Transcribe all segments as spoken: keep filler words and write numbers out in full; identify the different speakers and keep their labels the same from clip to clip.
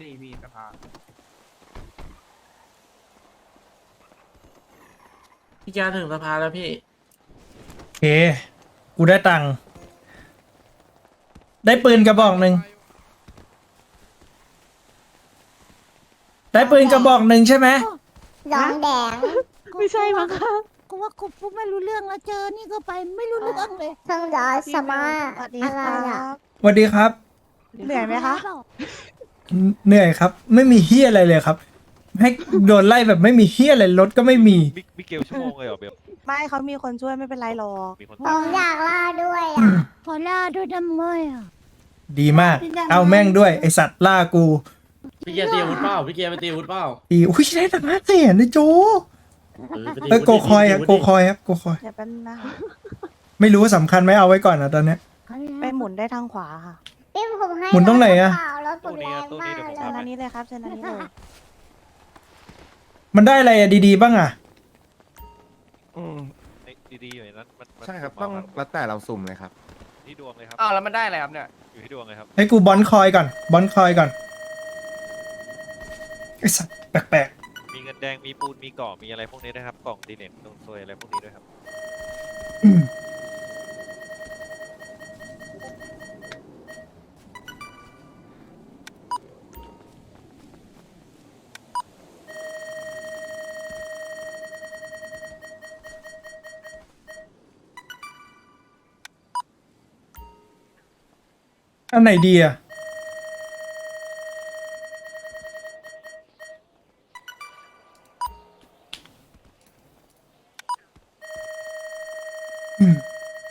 Speaker 1: ดีพี่สภา
Speaker 2: พี่แกถึงสภาแล้วพี่
Speaker 3: โอเค กูได้ตังค์ได้ปืนกระบอกหนึ่ง ได้ปืนกระบอกหนึ่งใช่ไหม
Speaker 4: ดองแดง
Speaker 5: ไม่ใช่มั้งคะกูว่ากูพูดไม่รู้เรื่องแล้วเจอนี่ก็ไปไม่รู้เรื่องเลย
Speaker 4: เพิ่งดอสมาอะไรอ่ะ
Speaker 3: สวัสดีครับ
Speaker 5: เหนื่อยไหมคะ
Speaker 3: เหนื่อยครับ ไม่มีเฮียอะไรเลยครับ ให้โดนไล่แบบไม่มีเฮียอะไรรถก็ไม่มี
Speaker 6: มิมิเกลชั่วโมงเลยเหรอเบล
Speaker 5: ไม่เขามีคนช่วยไม่เป็นไรหรอก
Speaker 6: มีคน
Speaker 4: ผ
Speaker 6: ตาม
Speaker 4: มอยากล่าด้วยอ่ะ
Speaker 5: ขอล่าด้วยดำเมยอ่ะ
Speaker 3: ดีมาก เอาแม่งด้วยไอสัตว์ล่ากู
Speaker 2: พี่แกตีอาวุธเปล่าพี่แกไปตีอาวุธเปล่า
Speaker 3: อีอุ้ยได้ตังค์ห้าแสนนะโจ
Speaker 2: เออไปตี
Speaker 3: เอ้ย
Speaker 2: อาวุธ
Speaker 3: โกคอยครับ
Speaker 2: ดิ
Speaker 3: โกคอยครับโกคอย
Speaker 5: เดี๋ยวเป็นงนะคะ
Speaker 3: ไม่รู้ว่าสำคัญไหมเอาไว้ก่อนนะตอนเนี้ย
Speaker 5: ไปหมุนได้ทางขวาค่ะ
Speaker 4: พี่ผมให้
Speaker 3: หมุนตรงไหนอะ
Speaker 4: เปล่ารถผมแรงมาก
Speaker 5: เชิญ
Speaker 4: เล
Speaker 5: อั
Speaker 4: ย
Speaker 5: นนี้เลยครับเชิญอันนี้เลย
Speaker 3: มันได้อะไรอะดีๆบ้างอะ
Speaker 7: อืม
Speaker 6: ไอ้ดีๆอยู่ในนั้นมันมัน
Speaker 7: ใช่ครับ
Speaker 6: มา
Speaker 7: ต้อง
Speaker 6: มา
Speaker 7: แล้วแต่เราสุ่มเลยครับ
Speaker 6: ที่ดวงเลยครับ
Speaker 1: อ้าวแล้วมันได้อะไรครับเนี่ย
Speaker 6: อยู่ที่ดวงเลยครับ
Speaker 3: ให้กูบอนคอยก่อนบอนคอยก่อนไอสัตว์แปลก
Speaker 6: มีเงินแดงมีปูนมีเกาะมีอะไรพวกนี้ด้วยครับกล่องดีเน็ตตรงซวยอะไรพวกนี้ด้วยครับ
Speaker 3: ๆอืมอันไหนดีอะอืม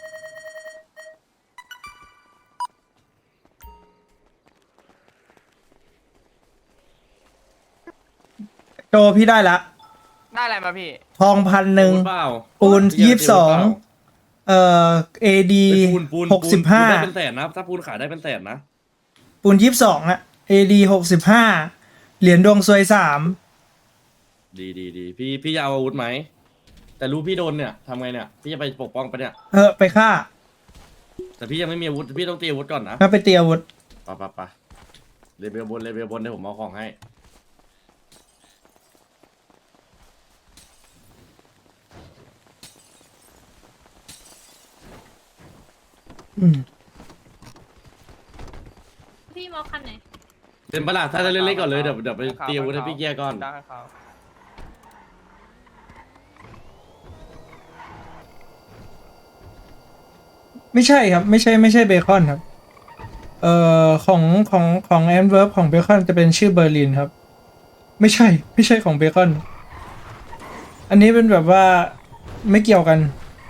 Speaker 3: โจพี่ได้ละ
Speaker 1: ได้อะไรมาพี่
Speaker 3: ทองพันหนึ่ง
Speaker 2: อาวุธเปล่า
Speaker 3: ปูน
Speaker 2: พี่แก
Speaker 3: ยี่สิบสอง
Speaker 2: ตีาวุธเปล่า
Speaker 3: เอ่อเอดี
Speaker 2: เฮ้ยปูนปูน
Speaker 3: หกสิบห้า
Speaker 2: ปูนได้เป็นแสนนะถ้าปูนขายได้เป็นแสนนะ
Speaker 3: ปูนยี่สิบสองอะเอดีหกสิบห้าเหรียญดวงซวยสาม
Speaker 2: ดีดีดีพี่พี่จะเอาอาวุธไหมแต่รู้พี่โดนเนี่ยทำไงเนี่ยพี่จะไปปกป้องปะเนี่ย
Speaker 3: เออไปฆ่า
Speaker 2: แต่พี่ยังไม่มีอาวุธพี่ต้องตีอาวุธก่อนนะ
Speaker 3: ถ้าไปเตียอาวุธ
Speaker 2: ปะปะปะเลเวลบนเลเวลบนเดี๋ยวผมเอาของให้
Speaker 3: อืม
Speaker 8: พี่มอคันไหน
Speaker 2: เป็นประหลาดถ้าจะเล่นๆก่อนเลยเดี๋ยวเดี๋ยวไปตีอาวุธให้พี่เกียร์ก่อน
Speaker 1: ได้ครับ
Speaker 3: ไม่ใช่ครับ ไม่ใช่ไม่ใช่เบคอนครับ เอ่อของของของแอนเวิร์ฟของเบคอนจะเป็นชื่อเบอร์ลินครับ ไม่ใช่ ไม่ใช่ของเบคอน อันนี้เป็นแบบว่าไม่เกี่ยวกัน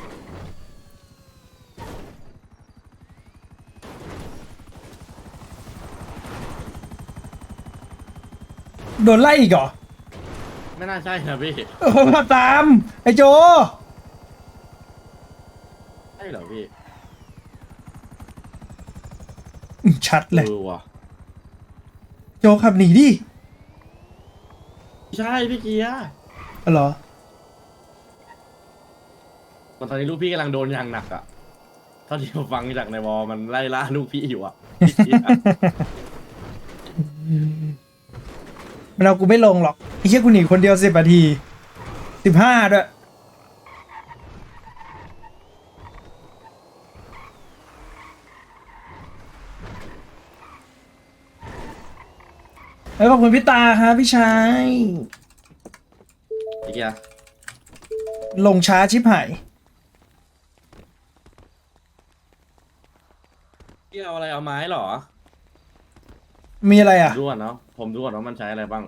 Speaker 3: โดนไล่อีกเหรอ
Speaker 2: ไม่น่าใช่นะพี่
Speaker 3: เออมาตาม ไอโจ
Speaker 2: ใช่เหรอพี่
Speaker 3: ชัดเลย
Speaker 2: เออว่ะ
Speaker 3: โจขับหนีดิ
Speaker 2: ใช่พี่เกียร์
Speaker 3: อ๋อเหรอ
Speaker 2: ตอนนี้ลูกพี่กำลังโดนอย่างหนักอ่ะเท่าที่ผมฟังจากในวอลมันไล่ล่าลูกพี่อยู่อ่ะพี่เกียร์
Speaker 3: มันเอากูไม่ลงหรอกไอ้เหี้ยกูหนีคนเดียวสิบนาทีสิบห้าด้วยเอ้ยขอบคุณพี่ตาครับพี่ชาย
Speaker 2: พี่เกียร์
Speaker 3: ลงช้าชิบหาย
Speaker 2: พี่เอาอะไรเอาไม้เหรอ
Speaker 3: มีอะไรอ่ะ
Speaker 2: ดูก่อนเนาะผมดูก่อนว่ามันใช้อะไรบ้าง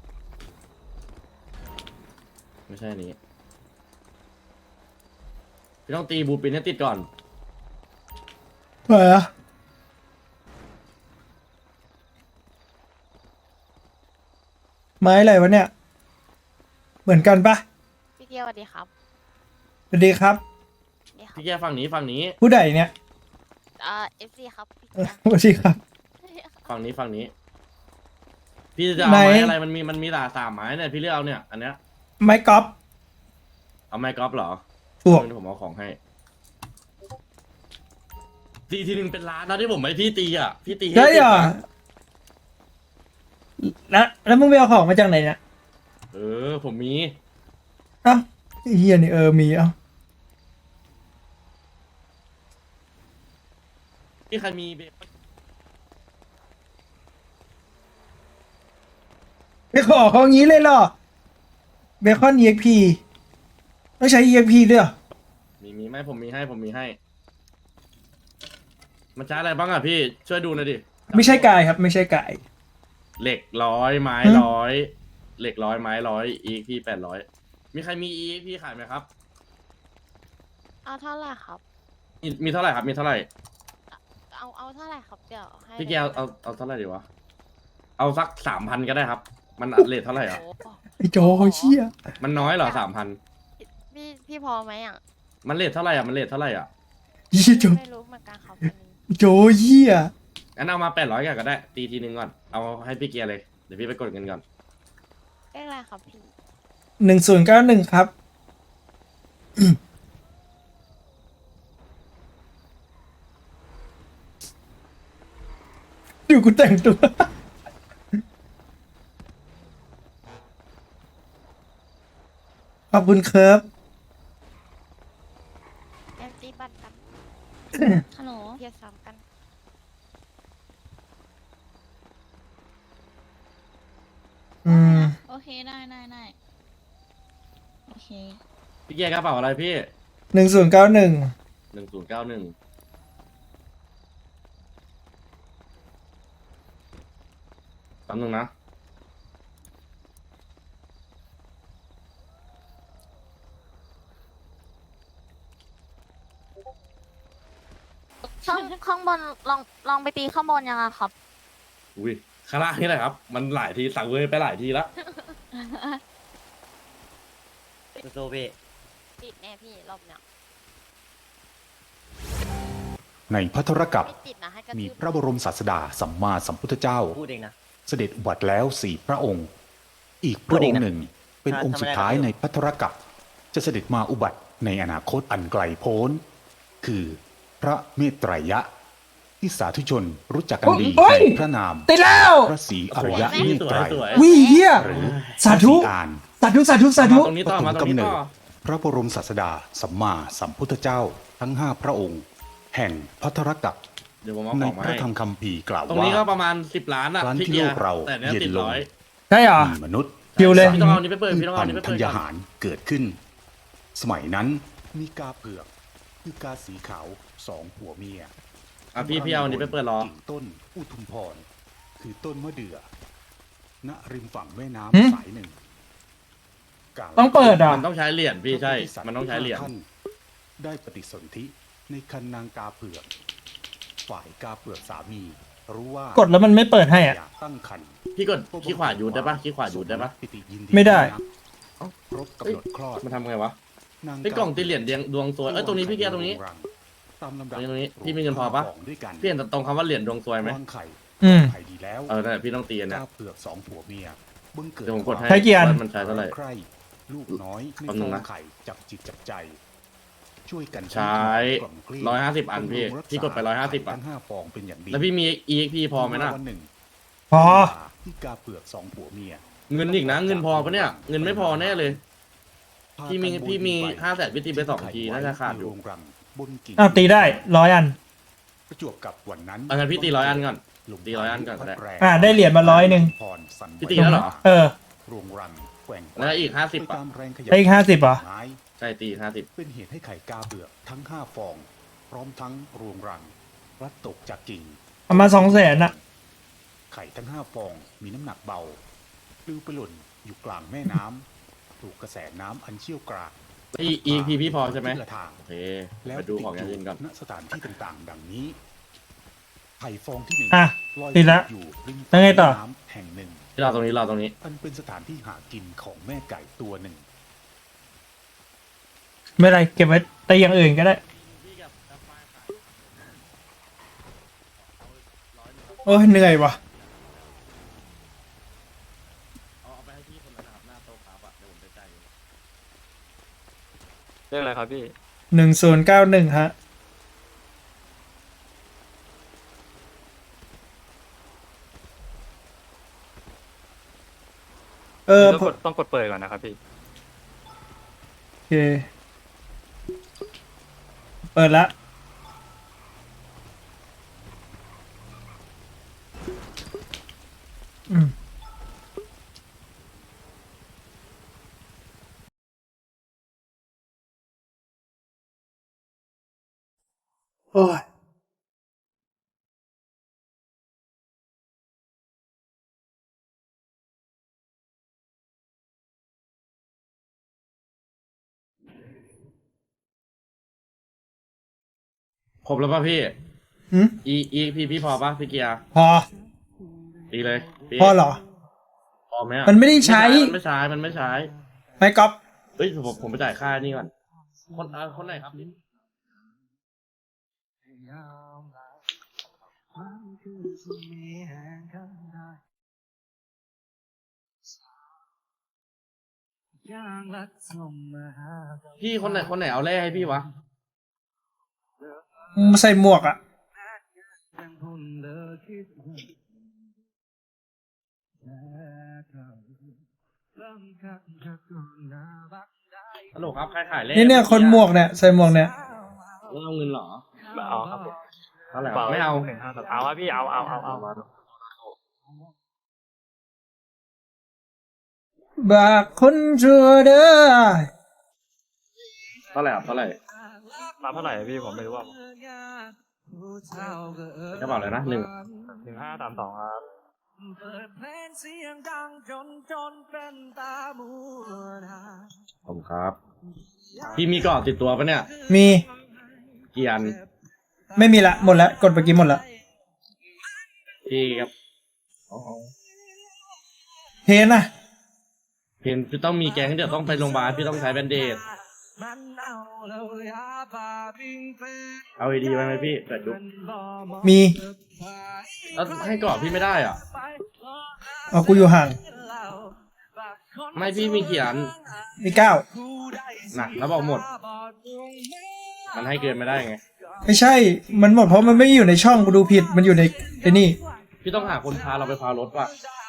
Speaker 2: ไม่ใช่อันนี้พี่ต้องตีบูปินให้ติดก่อน
Speaker 3: อะไรอ่ะไม้อะไรวะเนี่ย เหมือนกันปะ
Speaker 8: พี่เกียวสวัสดีครับ
Speaker 3: สวัสดีครับ
Speaker 8: นี่ครับ
Speaker 2: พี่แกฝั่งนี้ฝั่งนี้
Speaker 3: ผู้ใดเนี่ย
Speaker 8: อ่าเอฟซีครับพี่
Speaker 3: เออสวัสดีครับ
Speaker 2: ฝั่งนี้ฝั่งนี้ พี่จะเอา
Speaker 3: ไหน
Speaker 2: ไม้อะไรมันมีมันมีหลาสามไม้เนี่ยพี่เลือกเอาเนี่ย อันเนี้ย
Speaker 3: ไม้กอล์ฟ
Speaker 2: เอาไม้กอล์ฟเหรอ
Speaker 3: ถูก
Speaker 2: เดี๋ยวผมเอาของให้ตีทีหนึ่งเป็นล้านนะที่ผมไม่พี่ตีอ่ะพี่ตีให้
Speaker 3: ได้เหรอ
Speaker 2: ติดนะ
Speaker 3: แล้วแล้วมึงไปเอาของมาจากไหนเนี่ย
Speaker 2: เออ ผมมี
Speaker 3: เอ้าไอ้เฮียนี่เออมีเอ้า
Speaker 2: พี่ใครมีเบคอน
Speaker 3: ไปขอเขางี้เลยเหรอเบคอน อี เอ็กซ์ พี ต้องใช้ อี เอ็กซ์ พี ด้วยเหรอ
Speaker 2: มีมีไหมผมมีให้ผมมีให้ มันใช้อะไรบ้างอ่ะพี่ช่วยดูหน่อยดิ
Speaker 3: ไม่ใช่กายครับ ไม่ใช่กาย
Speaker 2: เหล็กร้อยไม้
Speaker 3: ฮะ
Speaker 2: ร้อยเหล็กร้อยไม้ร้อยอีพี่แปดร้อยมีใครมีอีพี่ขายไหมครับ
Speaker 8: เอาเท่าไหร่ครับ
Speaker 2: มีมีเท่าไหร่ครับมีเท่าไหร่
Speaker 8: เอาเอาเท่าไหร่ครับเดี๋ยวให้
Speaker 2: พี่แกเอาเอาเอาเท่าไหร่ดีวะเอาสักสามพันก็ได้ครับ มันเลทเท่าไหร่อ่ะ
Speaker 8: โอ้
Speaker 3: ไอ้โจเชี่ย
Speaker 2: มันน้อยเหรอสามพัน
Speaker 8: พี่พี่พอไหมอ่ะ
Speaker 2: มันเลทเท่าไหร่อ่ะมันเลทเท่าไหร่อ่ะ
Speaker 3: เหี้ยโจ
Speaker 8: ไม่รู้เหมือนกันครับอันนี้
Speaker 3: โจเหี้ย
Speaker 2: งั้นเอามาแปดร้อยก็ได้ ตีทีนึงก่อนเอาให้พี่เกียร์เลยเดี๋ยวพี่ไปกดเงินก่อน
Speaker 8: เลขอะไรครับพี่
Speaker 3: หนึ่งศูนย์เก้าหนึ่งครับอืมดูกูแต่งตัว ขอบคุณครับ
Speaker 8: แอมตีบัตรกันฮัลโหลเทียร์สามกัน
Speaker 3: อืม
Speaker 8: โอเคได้ได้ได้โอเค
Speaker 2: พี่เกียร์กระเป๋าอะไรพี่
Speaker 3: หนึ่งศูนย์เก้าหนึ่ง
Speaker 2: หนึ่งศูนย์เก้าหนึ่งแป๊บนึงนะ
Speaker 8: ข้างข้างบนลองลองไปตีข้างบนยังอะครับ
Speaker 2: อุ้ยข้างล่างนี่แหละครับ มันหลายทีสั่งเว้ยไปหลายทีแล้ว
Speaker 9: โซเบะ
Speaker 8: ติดแน่พี่รอบเนี้ย
Speaker 10: ในพัทรกัป
Speaker 8: ไม่ติดนะให้กระ
Speaker 10: มี
Speaker 8: ทืบ
Speaker 10: พระบรมศาสดาสัมมาสัมพุทธเจ้า
Speaker 9: พูดเองนะ
Speaker 10: เสด็จอุบัติแล้วสี่พระองค์ อีกพ
Speaker 9: พู
Speaker 10: ระ
Speaker 9: ด
Speaker 10: อ
Speaker 9: เอง ง
Speaker 10: ค์
Speaker 9: นะ
Speaker 10: หนึ่ง เป็น
Speaker 9: ถ้า
Speaker 10: องค์สุด
Speaker 9: ถ้าไม่ได้
Speaker 10: ท้าย
Speaker 9: ก็ไม่รู้
Speaker 10: ในพัทรกัปจะเสด็จมาอุบัติในอนาคตอันไกลโพ้น คือพระเมตไตรยะ ที่สาธุชนรู้จักกันดี
Speaker 3: โอ้ย
Speaker 10: ในพระนาม
Speaker 3: ติดแล้ว
Speaker 10: พระศรีอริยะ
Speaker 2: สวย
Speaker 10: เมตไตร
Speaker 2: สวย
Speaker 3: วิเฮีย
Speaker 10: หรือ
Speaker 3: สาธุ
Speaker 10: พระศรีอาน
Speaker 3: สาธุ สาธุ สาธุ
Speaker 2: ตรงนี้
Speaker 10: ป
Speaker 2: ต่อ
Speaker 10: ฐม
Speaker 2: มาตรง
Speaker 10: กำ
Speaker 2: นี้
Speaker 10: เนิ
Speaker 2: ต่
Speaker 10: ด
Speaker 2: อ
Speaker 10: พระบรมศาสดาสัมมาสัมพุทธเจ้าทั้งห้าพระองค์ แห่งพัทรกัป
Speaker 2: เดี๋ยวผมเอา
Speaker 10: ใน
Speaker 2: ของมา
Speaker 10: พระ
Speaker 2: ให้
Speaker 10: ธรรมคัมภีร์กล่าว
Speaker 2: ตรง
Speaker 10: ว่า
Speaker 2: นี้ก็ประมาณสิบล้านอ่ะ
Speaker 10: ครั้ง
Speaker 2: พี่
Speaker 10: ที่
Speaker 2: เกีย
Speaker 10: โล
Speaker 2: ร์
Speaker 10: กเรา
Speaker 2: แต่เนี้ย
Speaker 10: เย็น
Speaker 2: ติด
Speaker 10: ลง
Speaker 2: ร้อย
Speaker 3: ใช่เหรอ
Speaker 10: มีมนุษย์
Speaker 3: คิวเลย
Speaker 2: พี่ต้องเอาอันนี้ไปเปิด
Speaker 10: พื
Speaker 2: พี่
Speaker 10: ช
Speaker 2: ต้องเอา
Speaker 10: พั
Speaker 2: อั
Speaker 10: น
Speaker 2: นนี้ไป
Speaker 10: ธุ์ธั
Speaker 2: เปิด
Speaker 10: ญ
Speaker 2: ก่อน
Speaker 10: หารเกิดขึ้น สมัยนั้นมีกาเผือกคือกาสีขาวสองผัวเมีย
Speaker 2: อ่ะพี่พี่เอาอันนี้ไปเปิดรอ
Speaker 10: กิ่งต้นอุทุมพร คือต้นมะเดื่อณริมฝั่งแม่
Speaker 3: หึ
Speaker 10: น้ำสายหนึ่งกาล
Speaker 3: ต้องเปิดอ่ะ
Speaker 2: มันต้องใช้เหรียญพี่ใช่ มันต้องใช้เหรียญ
Speaker 10: ท่านได้ปฏิสนธิในคันนางกาเผือก ฝ่ายกาเผือกสามี รู้ว่าก
Speaker 3: ดแล้วมันไม่เปิดให้อ่ะ
Speaker 10: อยากตั้งคัน
Speaker 2: พี่กดขี้ขวาอยู่ได้ปะขี้ขวาอยู่ได้ปะ
Speaker 10: ปิติยิน
Speaker 3: ไม่ได้
Speaker 10: เอ้าครบกำหนดคลอด
Speaker 2: มันทำไงวะ
Speaker 10: นาง
Speaker 2: ไอ้กล่องตีเหรียญเดียงดวงซวยเอ้ยตรงนี้พี่เกียร์ตรงนี้
Speaker 10: ตามลำดับ
Speaker 2: ตรงนี้พี่มีเงินพอปะ
Speaker 10: กล่งด้วยกัน
Speaker 2: พี่เห็นตรงคำว่าเหรียญดวงซวยไหม
Speaker 10: วางไข่
Speaker 3: อืม
Speaker 10: ไข่ดีแล้ว
Speaker 2: เออนั่นแหละพี่ต้องตีอันนะ
Speaker 10: กาเผือกสองผัวเมียบังเกิด
Speaker 2: เดี๋ยวผมกดให้
Speaker 3: ใช้กี่อัน
Speaker 2: ว่ามันใช้เท่าไหร่
Speaker 10: ใครลูกน้อยใน
Speaker 2: แป๊บนึ
Speaker 10: ฟอง
Speaker 2: นะ
Speaker 10: งไข่จับจิตจับใจ ช่วยกัน
Speaker 2: ใช้
Speaker 10: กล่อมเกลี้ย
Speaker 2: ร้อยห้าสิบอันพี่
Speaker 10: บำรุงรัษา
Speaker 2: พี่กดไปร้อยห้าสิบ
Speaker 10: ไข่
Speaker 2: อ่ะ
Speaker 10: ทั้งห้าฟองเป็นอย่างดี
Speaker 2: แล้วพี่มี อี เอ็กซ์ พี พอไหมนะ
Speaker 10: วันหนึ่ง
Speaker 3: พอ
Speaker 10: ที่กาเผือกสองผัวเมีย
Speaker 2: เงินอีกนะเงินพอปะเนี่ยเงินไม่พอแน่เลย
Speaker 10: พา
Speaker 2: พี่มี
Speaker 10: กัน
Speaker 2: พี่มี
Speaker 10: โบยบินไป
Speaker 2: ห้าแสนพี่ตีไปสองทีน่าจะขาดอยู่
Speaker 10: ในโรงรังบนกิ่ง
Speaker 3: อ้าวตีได้ร้อยอัน
Speaker 10: ประจวบกับวันนั้น
Speaker 2: เอางั้นพี่ตีร้อยอันก่อน
Speaker 10: ลม
Speaker 2: ตีร้อยอันก่อนก็ได้
Speaker 10: พัแรง
Speaker 3: อ่าได้เหรียญมาร้อยหนึ่ง
Speaker 10: พรสั่นไหว
Speaker 2: พี่ตีแล้วเหรอ
Speaker 3: เออ
Speaker 10: โรงรังแกว่ง
Speaker 2: แล้วอีกห้าสิบ
Speaker 10: ไป
Speaker 2: อ่ะ
Speaker 10: ตามแรงขยับ
Speaker 3: ได้อีกห้าสิบเหรอ
Speaker 10: ไม้
Speaker 2: ใช่ตีห้าสิบ
Speaker 10: เป็นเหตุให้ไข่กาเบือกทั้งห้าฟอง พร้อมทั้งรวงรังพลัดตกจากกิ่ง
Speaker 3: เอามาสองแสนอ่ะ
Speaker 10: ไข่ทั้งห้าฟองมีน้ำหนักเบาปลิวไปหล่นอยู่กลางแม่น้ำถูกกระแสน้ำอันเชี่ยวกราก
Speaker 2: อี อี พี พี่พอใช่ไหม
Speaker 10: ทิศละทาง
Speaker 2: โอเค
Speaker 10: แล้ว
Speaker 2: ไปดูของอย่างอื่นก่อน
Speaker 10: ณสถานที่ต่างๆ ดังนี้ไข่ฟองที่หนึ่ง
Speaker 3: อ่ะ
Speaker 10: ลอย
Speaker 3: ติดละ
Speaker 10: อยู่ริม
Speaker 3: แล้วไงต่อ
Speaker 10: น้ำแห่งหนึ่ง
Speaker 2: ที่เราตรงนี้เราตรงนี้
Speaker 10: อันเป็นสถานที่หากินของแม่ไก่ตัวหนึ่ง
Speaker 3: ไม่เป็นไรเก็บไว้แต่อย่างอื่นก็ได้ โอ้ยเหนื่อยว่ะ
Speaker 2: เอาเอาไปให้พี่คนนั้นนะครับหน้าโต๊ะครับอ่ะเดี๋ยวผมจะจ่ายเอง
Speaker 9: เรื่องอะไรครับพี่
Speaker 3: หนึ่งศูนย์เก้าหนึ่งฮะเออ
Speaker 9: ต้อง
Speaker 3: ผม
Speaker 9: กดต้องกดเปิดก่อนนะครับพี่
Speaker 3: โอเค เปิดละอืมโอ้ย
Speaker 2: ครบแล้วป่ะพี่
Speaker 3: หืม
Speaker 2: อีอีพี่พี่พอป่ะพี่เกียร์
Speaker 3: พอ
Speaker 2: ดีเลยพี่
Speaker 3: พอเหรอ
Speaker 2: พอไหมอะ
Speaker 3: มันไม่ได้ใช้
Speaker 2: มันไม่ใช้มันไม่ใช้
Speaker 3: ไม่ก๊อป
Speaker 2: เฮ้ยผมผมไปจ่ายค่านี่ก่อนคนอ่าคนไหนครับนี่พี่คนไหนคนไหนเอาแร่ให้พี่วะ
Speaker 3: มาใส่หมวกอ่ะ
Speaker 2: ฮัลโหลครับใครขายแร่
Speaker 3: นี่เนี่ยคนหมวกเนี่ยใส่หมวกเนี่ย
Speaker 2: ไม่เอาเงินเหรอ
Speaker 9: เอาครับผม
Speaker 2: เท่าไหร่ครับไม่เอา
Speaker 9: หนึ่งห้าสามเอาครับพี่เอาเอาเอาเอา
Speaker 3: บากคนชั่วเด้อ
Speaker 2: เท่าไหร่ครับเท่าไหร่
Speaker 9: มาเท่าไหร่พี่ผมไม่รู้ว่า
Speaker 2: กระเป๋าอะไรนะหนึ่ง
Speaker 9: หนึ่งห้าสามสองครับ
Speaker 2: ผมครับ พี่มีกรอบติดตัวปะเนี่ย
Speaker 3: มี
Speaker 2: กี่อัน
Speaker 3: ไม่มีละ หมดละ กดไปกี่หมดละ
Speaker 2: พี่ครับ
Speaker 3: เพนอ่ะ
Speaker 2: เพนพี่ต้องมีแกงเดี๋ยวต้องไปโรงพยาบาลพี่ต้องใช้แบนเดดเอาดีๆไว้ไหมพี่แต่ดู
Speaker 3: มี
Speaker 2: แล้วให้กรอบพี่ไม่ได้อ่ะ
Speaker 3: เอากูอยู่ห่าง
Speaker 2: ไม่พี่มีกี่อัน
Speaker 3: มีเก้า
Speaker 2: น่ะแล้วบอกหมด มันให้เกินไม่ได้ไง
Speaker 3: ไม่ใช่ มันหมดเพราะมันไม่อยู่ในช่องกูดูผิด มันอยู่ในไอ้นี่
Speaker 2: พี่ต้องหาคนพาเราไปพารถว่ะ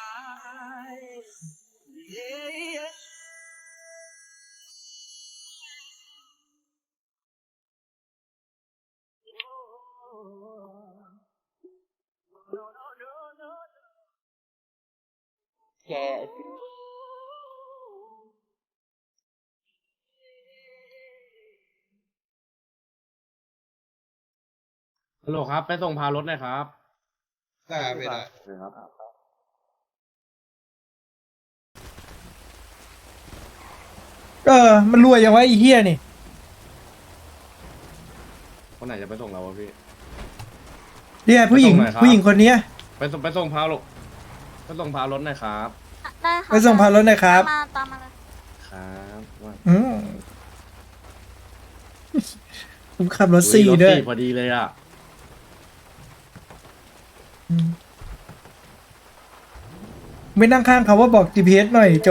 Speaker 1: แก
Speaker 2: ฮัลโหลครับ ไปส่งพารถหน่อยครับ
Speaker 7: ได้ไม่ได้
Speaker 2: ครับ
Speaker 3: เออ มันรวยอย่างวะไอ้เฮียนี่
Speaker 2: คนไหนจะไปส่งเราวะพี่
Speaker 3: เนี่ยผู้หญิง
Speaker 2: ไปส่งหน่อยครับ
Speaker 3: ผู้หญิงคนเนี้ย
Speaker 2: ไปส่งไปส่งพารถไปส่งพารถหน่อยครับ
Speaker 8: ได้ค่ะ
Speaker 3: ไปส่งพารถหน่อยครับ
Speaker 8: ตามมาตามมาเลย
Speaker 2: ครับว่า
Speaker 3: อืมผมขับรถสี่
Speaker 2: อุ๊รถ
Speaker 3: ด้วย
Speaker 2: พอดีเลยอ่ะ
Speaker 3: อืมไม่นั่งข้างเขาว่าบอก จี พี เอส หน่อยโจ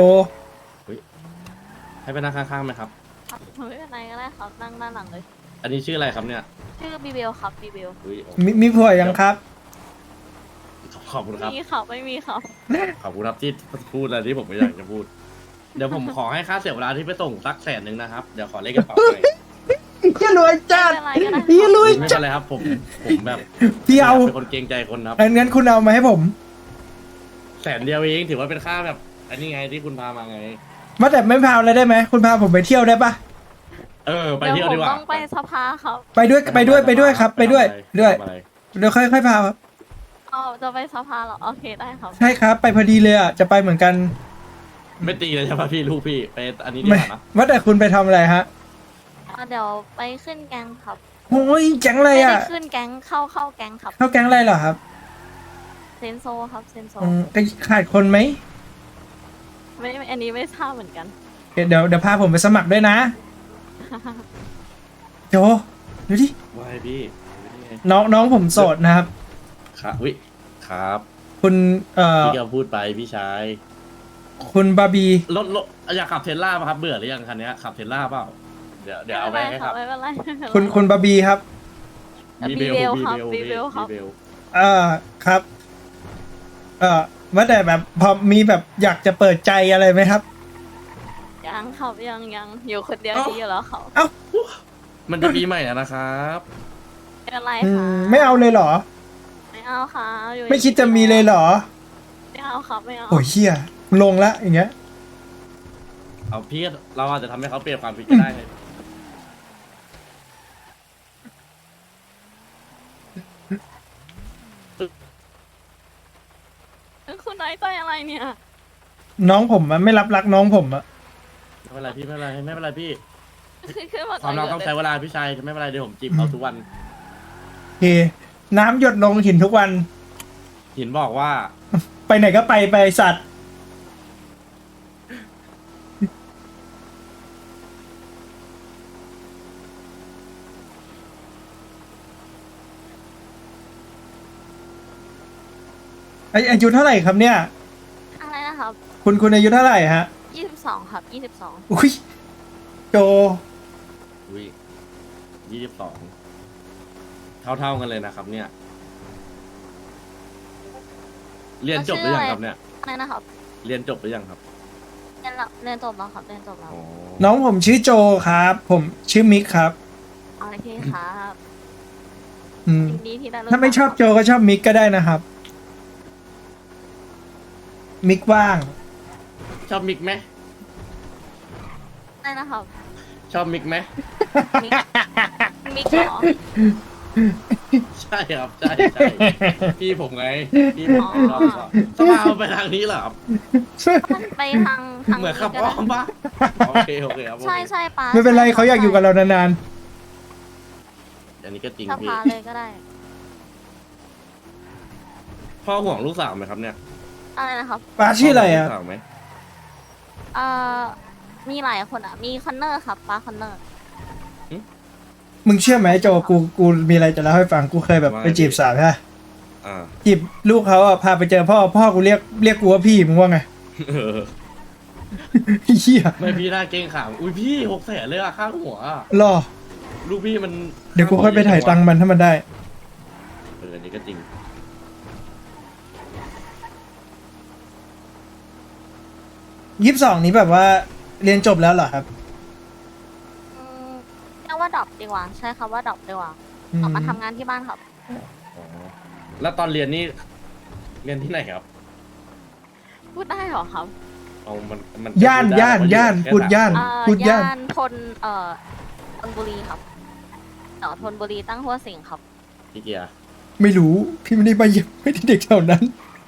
Speaker 2: ให้ไปนั่งข้างๆไหมครับ
Speaker 8: ครับไม่เป็นไรก็ได้ครับนั่งด้านหลังเลย
Speaker 2: อันนี้ชื่ออะไรครับเนี่ย
Speaker 8: ชื่อบีเบลครับบีเบล
Speaker 2: อุ๊ย
Speaker 3: มีมีผัวยังครับ
Speaker 2: ขอบคุณครับ
Speaker 8: มีครับไม่มีครับ
Speaker 2: ขอบคุณครับที่พูดอะไรที่ผมไม่อยากจะพูด เดี๋ยวผมขอให้ค่าเสียเวลาที่ไปส่งสักแสนหนึ่งนะครับ เดี๋ยวขอเลขกระเป๋าหน่อย
Speaker 3: เฮียรวยจัด
Speaker 8: ไม่เป็นไรก็ได้
Speaker 3: เฮียรวย
Speaker 2: ไม่
Speaker 3: จั
Speaker 2: เป็
Speaker 3: ด
Speaker 2: นไรครับ ผมผมแบบ
Speaker 3: พี่เอา
Speaker 2: เป็นคนเกรงใจคนครับ
Speaker 3: งั้นงั้นคุณเอามาให้ผม
Speaker 2: แสนเดียวเองถือว่าเป็นค่าแบบ อันนี้ไงที่คุณพามาไง
Speaker 3: มาแต่ไม่พาอะไรได้ไหมคุณพาผมไปเที่ยวได้ปะ
Speaker 2: เออ ไป
Speaker 8: เดี๋ยว
Speaker 2: เที่ยว
Speaker 8: ผ
Speaker 2: ดี
Speaker 8: ม
Speaker 2: กว่า
Speaker 8: ต้องไปสภาครับ
Speaker 3: ไปด้วยไปด้วยไปด้วยครับ ไปด้วย
Speaker 2: ไป
Speaker 3: ด้วย
Speaker 2: ทำอะไร
Speaker 3: เดี๋ยวค่อยค่อยพาครับ
Speaker 8: อ๋อจะไปสภาเหรอโอเคได้ครับ
Speaker 3: ใช่ครับ ไปพอดีเลยอ่ะจะไปเหมือนกัน
Speaker 2: ไม่ตีเลยใช่ปะพี่ลูกพี่ไปอันนี้ดี
Speaker 3: ไม่
Speaker 2: กว่านะ
Speaker 3: ว่าแต่คุณไปทำอะไรฮะ
Speaker 8: อ่ะเดี๋ยวไปขึ้นแก๊งครับ
Speaker 3: โอ้ยแก๊งอะไร
Speaker 8: ไม่ได้
Speaker 3: อ่ะ
Speaker 8: ขึ้นแก๊งเข้าเข้าแก๊งครับ
Speaker 3: เข้าแก๊งอะไรเหรอครับ
Speaker 8: เซนโซครับเซนโซ
Speaker 3: อืมก็ขาดคนไหม
Speaker 8: ไม่ไม่อันนี้ไม่ทราบเหมือนกัน
Speaker 3: เดี๋ยวเดี๋ยวเดี๋ยวพาผมไปสมัครด้วยนะ โจดูดิ
Speaker 2: ว่าให้พี่นี่ไง
Speaker 3: น้องน้องผมโสดนะครับ
Speaker 2: ครับวิครับ
Speaker 3: คุณเอ่อ
Speaker 2: พี่ก็พูดไปพี่ชาย
Speaker 3: คุณบาร์บี
Speaker 2: รถรถอยากขับเทสลาป่ะครับเบื่อหรือยังคันเนี้ยขับเทสลาเปล่าเดี๋ยวเดี๋ยวเอาไปให้ครับ
Speaker 8: ไม่เป็นไรไม่เป็นไร
Speaker 3: คุณคุณบาร์บีครับ
Speaker 8: บีเบลครับบีเบลครับ
Speaker 2: บีเบล
Speaker 3: เอ่อครับ เอ่อว่าแต่แบบพอมีแบบอยากจะเปิดใจอะไรไหมครับ
Speaker 8: ยังครับยังยังอยู่คนเดียว
Speaker 2: เอ้า
Speaker 8: ดีอยู่แล้วเขา
Speaker 2: มันจะปีใหม่แล้วนะครับ
Speaker 8: ไม่เป็นไร
Speaker 3: อื
Speaker 8: ค่ะ
Speaker 3: มไม่เอาเลยเหรอ
Speaker 8: ไม่เอาค่ะอยู่
Speaker 3: ไม่คิดจะมีเลยเหรอ
Speaker 8: ไม่เอาครับไม่เอา
Speaker 3: โอ้ยเฮียลงละอย่างเงี้ย
Speaker 2: เอาพี่เราอาจจะทำให้เขาเปลี่ยนความคิดก็ได้ไง
Speaker 8: คุณน้อยใจอะไรเนี่ย
Speaker 3: น้องผมอะไม่รับรักน้องผมอะ
Speaker 2: ไม่เป็นไรพี่ไม่เป็นไรไม่เป็นไรพี่
Speaker 8: คือคือแบบ
Speaker 2: ความรักต้องใช้เวลาพี่ชายไม่เป็นไรเดี๋ยวผมจีบเขาทุกวัน
Speaker 3: โอเค น้ำหยดลงหินทุกวัน
Speaker 2: หินบอกว่า
Speaker 3: ไปไหนก็ไปไปไอ้สัตว์ อาอายุเท่าไหร่ครับเนี่ย
Speaker 8: อะไรนะครับ
Speaker 3: คุณคุณอายุเท่าไหร่ฮะ
Speaker 8: ยี่สิบสองครับยี่สิบสอง
Speaker 3: อุ้ยโจ
Speaker 2: อุ้ยยี่สิบสองเท่าเท่าๆกันเลยนะครับ เนี่ย เรียนจบหรือยังครับเนี่ย
Speaker 8: อะไรนะครับ
Speaker 2: เรียนจบหรือยังครับ
Speaker 8: เรียนแล้วเรียนจบแล้วครับเรียนจบแล้ว
Speaker 2: อ๋อ
Speaker 3: น้องผมชื่อโจครับ ผมชื่อมิกครับ
Speaker 8: โอเคครับ
Speaker 3: อืม
Speaker 8: ยินดีที่ได้รู้
Speaker 3: ถ้าไม่ชอบโจก็ชอบมิกก็ได้นะครับ มิกว่าง
Speaker 2: ชอบมิกไหม
Speaker 8: อะไรนะครับ
Speaker 2: ชอบมิกไหม
Speaker 8: มิกมิกเหรอ
Speaker 2: ใช่ครับใช่ใช่พี่ผมไงพี่ผมชอบชอบต้องมาเอาไปทางนี้เหรอครับ
Speaker 8: ไปทางทาง
Speaker 2: เหมือนขับ
Speaker 8: ก็
Speaker 2: อ้อ
Speaker 8: ได้
Speaker 2: มปะโอเคโอเคครับโอเค
Speaker 8: ใช่ใช่ป้า
Speaker 3: ไม่เป็นไรเขาอยากอยู่กับเรานาน
Speaker 2: อันนี้ก็จริง
Speaker 8: ส
Speaker 2: พี่
Speaker 8: ภาเลยก็ได้
Speaker 2: พ่อห่วงลูกสาวไหมครับเนี่ย
Speaker 8: อะไรนะครับ
Speaker 3: ๆป้าชื่ออะไรอ่ะ
Speaker 2: พ่ห่วงลูกสาวไหม
Speaker 8: เอ่อมีหลายคนอ่ะ มีคอนเนอร์ครับป้าคอนเนอร์
Speaker 3: มึงเชื่อไหมโจกูกูมีอะไรจะเล่าให้ฟังกูเคยแบบไปจีบสาวใช่ปะ
Speaker 2: อ่า
Speaker 3: จีบลูกเขาอ่ะพาไปเจอพ่อพ่อกูเรียกเรียกกูว่าพี่มึงว่าไง
Speaker 2: เออ
Speaker 3: เฮีย
Speaker 2: ไม่พี่น่าเก่งขามอุ้ยพี่หกแสนเลยอะค่าหัวอะ
Speaker 3: รอ
Speaker 2: ลูกพี่มัน
Speaker 3: เดี๋ยวกูค่อยไปถ่ายตังค์มันถ้ามันได้
Speaker 2: เอออันนี้ก็จริง
Speaker 3: ยี่สิบสองนี้แบบว่าเรียนจบแล้วเหรอครับ
Speaker 8: อืมเรียกว่าดรอปดีกว่า ใช่ครับว่าดรอปดีกว่า
Speaker 3: อืม
Speaker 8: ออกมาทำงานที่บ้านครับ
Speaker 2: อ๋อแล้วตอนเรียนนี่เรียนที่ไหนครับ
Speaker 8: พูดได้เหรอครับ
Speaker 2: เอามันมัน
Speaker 3: ย่านย่านย่านพูดย่าน
Speaker 8: เอ่อ
Speaker 3: พูดย่าน
Speaker 8: ย่านทนเอ่อธนบุรีครับแถวธนบุรีตั้งหัวสิงครับ
Speaker 2: พี่เกียร์
Speaker 3: ไม่รู้ พี่ไม่ได้ไปเยี่ยมไม่ได้เด็กแถวนั้น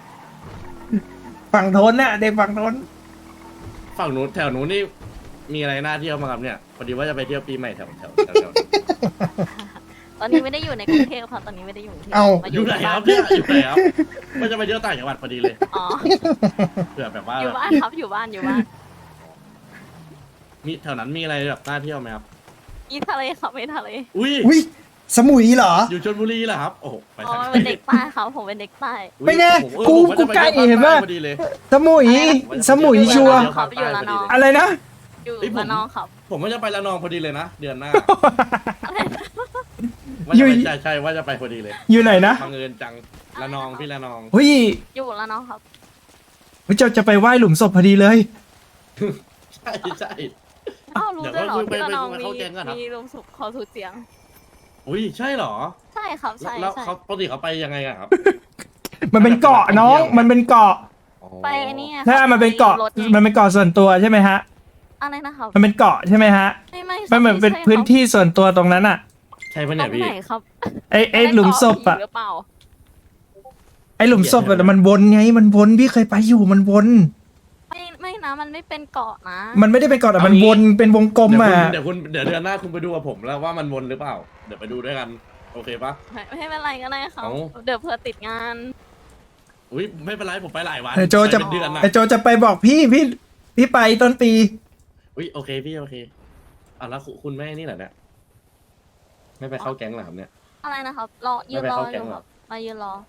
Speaker 3: ฝั่งทนน่ะเด็กฝั่งทน
Speaker 2: ฝั่งนู้นแถวนู้นนี่มีอะไรน่าเที่ยวมางครับเนี่ยพอดีว่าจะไปเที่ยวปีใหม่แถวแถวแถวแถว
Speaker 8: ตอนนี้ไม่ได้อยู่ในกรุงเทพครับตอนนี้ไม่ได้อยู่กรุงเทพ
Speaker 3: เอ้า
Speaker 8: มา
Speaker 2: อยู่ไหน
Speaker 8: ที่
Speaker 2: ครับเนี่ยอยู่ไหนครับว่าจะไปเที่ยวต่างจังหวัดพอดีเลย
Speaker 8: อ๋อ
Speaker 2: เผื่อแบบว่า
Speaker 8: อยู่บ้านครับอยู่บ้านอยู่บ้าน
Speaker 2: มีแถวนั้นมีอะไรแบบน่าเที่ยวไหมครับ
Speaker 8: มีทะเลครับมีทะเล
Speaker 2: อุ้ย
Speaker 3: อุ้ยสมุยเหรอ
Speaker 2: อยู่ชลบุรีเหรอครับโอ้โหไป
Speaker 8: อ๋อ
Speaker 2: ทาง
Speaker 8: เป็นเด็กใต้ครับผมเป็นเด็กใต้
Speaker 2: อุ๊ย
Speaker 3: ไม่แน่
Speaker 2: ผมเออ
Speaker 3: กู
Speaker 2: ผมว่าจะ
Speaker 3: กูใกล้
Speaker 2: ไปที่ยว
Speaker 3: เห็นปะ
Speaker 2: ภาคใต้พอดีเลย
Speaker 3: สมุย สมุยชัวร์
Speaker 8: ครับอยู่ละนอง
Speaker 3: อะไรนะ
Speaker 8: อยู่
Speaker 2: เฮ้ยผม
Speaker 8: ละนองครับ
Speaker 2: ผมว่าจะไปละนองพอดีเลยนะเดือนหน้า
Speaker 8: อะไรนะ
Speaker 2: ว่าจะ
Speaker 3: อยู่
Speaker 2: ไปใช่ใช่ว่าจะไปพอดีเลย
Speaker 3: อยู่ไหนนะ
Speaker 2: บังเอิญจังละนองพี่ละนอง
Speaker 3: เฮ้ย
Speaker 8: อยู่ละนองครับ
Speaker 3: เฮ้ยเจ้าจะไปไหว้หลุมศพพอดีเลย
Speaker 2: ใช่ใช่
Speaker 8: อ้าวรู้
Speaker 2: เดี๋ยว
Speaker 8: ด้วยเหรอ
Speaker 2: ไป
Speaker 8: ที่ละ
Speaker 2: ไป
Speaker 8: นอง
Speaker 2: ไป
Speaker 8: มี
Speaker 2: เข้าแก๊งก่อนครับ
Speaker 8: มีลมสุขขอสูตรเสียง
Speaker 2: อุ้ยใช่เหรอ
Speaker 8: ใช่ครับ
Speaker 2: แล้ว
Speaker 8: ใช่
Speaker 2: แล้ว
Speaker 8: ใช่
Speaker 2: เขาปกติเขาไปยังไงอะครับ
Speaker 3: มันเป็นเกาะน้อง มันเป็นเกาะ
Speaker 2: อ๋อ
Speaker 8: ไปไอ้นี่ไง
Speaker 3: ถ้ามันเป็นเกาะ
Speaker 8: รถไง
Speaker 3: มันเป็นเกาะส่วนตัวใช่ไหมฮะ
Speaker 8: อะไรนะครับ
Speaker 3: มันเป็นเกาะใช่ไหมฮะ
Speaker 8: ไม่ไม่
Speaker 3: มันเหมือนเป็น
Speaker 8: ไใช่
Speaker 3: พื้นที่ส่วนตัวตรงนั้นอะ
Speaker 2: ใช่ปะ
Speaker 8: ครั
Speaker 2: เนี่
Speaker 8: บ
Speaker 2: ย
Speaker 8: ตรง
Speaker 2: พี่
Speaker 8: ไหนครับ
Speaker 3: ไอ้ไอ้หลุมศพอะ
Speaker 8: หรือเปล่า
Speaker 3: ไอ้หลุมศพอะมันวนไง มันวนพี่เคยไปอยู่มันวน
Speaker 8: ไม่ไม่นะมันไม่เป็นเกาะนะ
Speaker 3: มันไม่ได้เป็นเกาะแต่มันวนเป็นวงกลม
Speaker 2: เดี๋ยว
Speaker 3: อะ
Speaker 2: คุณเดี๋ยวคุณเดี๋ยวเดือนหน้าคุณไปดูกับผมแล้วว่ามันวนหรือเปล่า เดี๋ยวไปดูด้วยกันโอเคปะ
Speaker 8: ไม่ไม่เป็นไรก็ได้ครับ
Speaker 2: เอ้า
Speaker 8: เดี๋ยวเผื่อติดงาน
Speaker 2: อุ้ยไม่เป็นไรผมไปหลายวัน
Speaker 3: ไอ้โจจะ
Speaker 2: ไปเป็นเดือนนะ
Speaker 3: ไอ้โจจะไปบอกพี่พี่พี่ไปต้นปี
Speaker 2: อุ้ยโอเคพี่โอเคอ่ะแล้วคุณคุณแม่นี่เหรอเนี่ยไม่ไปเข้าแก๊งเหรอครับเนี่ย
Speaker 8: อะไรนะครับ รอยืน
Speaker 2: ไม่ไป
Speaker 8: รอ
Speaker 2: เข้า
Speaker 8: อ
Speaker 2: แก๊ง
Speaker 8: ยู่
Speaker 2: เห
Speaker 8: ค
Speaker 2: รอ
Speaker 8: รับมายืนรอ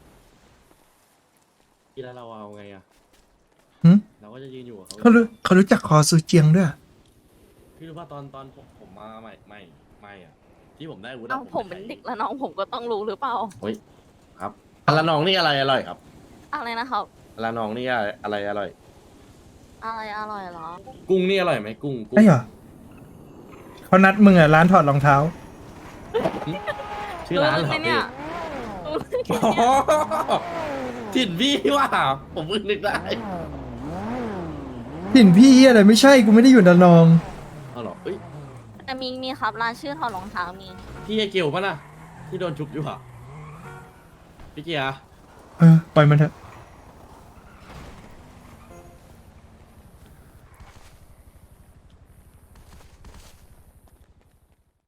Speaker 2: พี่แล้วเราเอาไงอะ
Speaker 3: หึ
Speaker 2: เราก็จะยืนอยู่กับเขา
Speaker 3: เขารู้เขารู้จักคอซูเจียงด้วย
Speaker 2: พี่รู้ว่าตอนตอนผมผมมาใหม่ใหม่ใหม่อะที่ผมได้อาวุธะ
Speaker 8: เอ้าผมเป็นเด็กละน้องผมก็ต้องรู้หรือเปล่า
Speaker 2: ครับอันละน้องนี่อะไรอร่อยครับ
Speaker 8: อะไรนะครับ
Speaker 2: อลานองนี่อะไรอร่อย
Speaker 8: อะไรอร่อยเหรอ
Speaker 2: กุ้งนี่อร่อยไหมกุ้งกุ้ง
Speaker 3: ไอ้เหรอเขานัดมึงอ่ะร้านถอดรองเท้า
Speaker 2: ชื่อร้านเหรอ
Speaker 8: รู้ไหมเนี่
Speaker 2: พี่
Speaker 8: ย
Speaker 2: อ๋อถิ่นพี่ว่าผมเพิ่งนึกได้
Speaker 3: ถิ่นพี่อะไรไม่ใช่กูไม่ได้อยู่ระนอง
Speaker 2: เอาเหรอเอ้ย
Speaker 8: แต่มีมีครับร้านชื่อถอดรองเท้ามี
Speaker 2: พี่ไอเกลป่ะน่ะที่โดนชุบอยู่อ่ะพี่เกียร์
Speaker 3: เออปล่อยมันเถอะ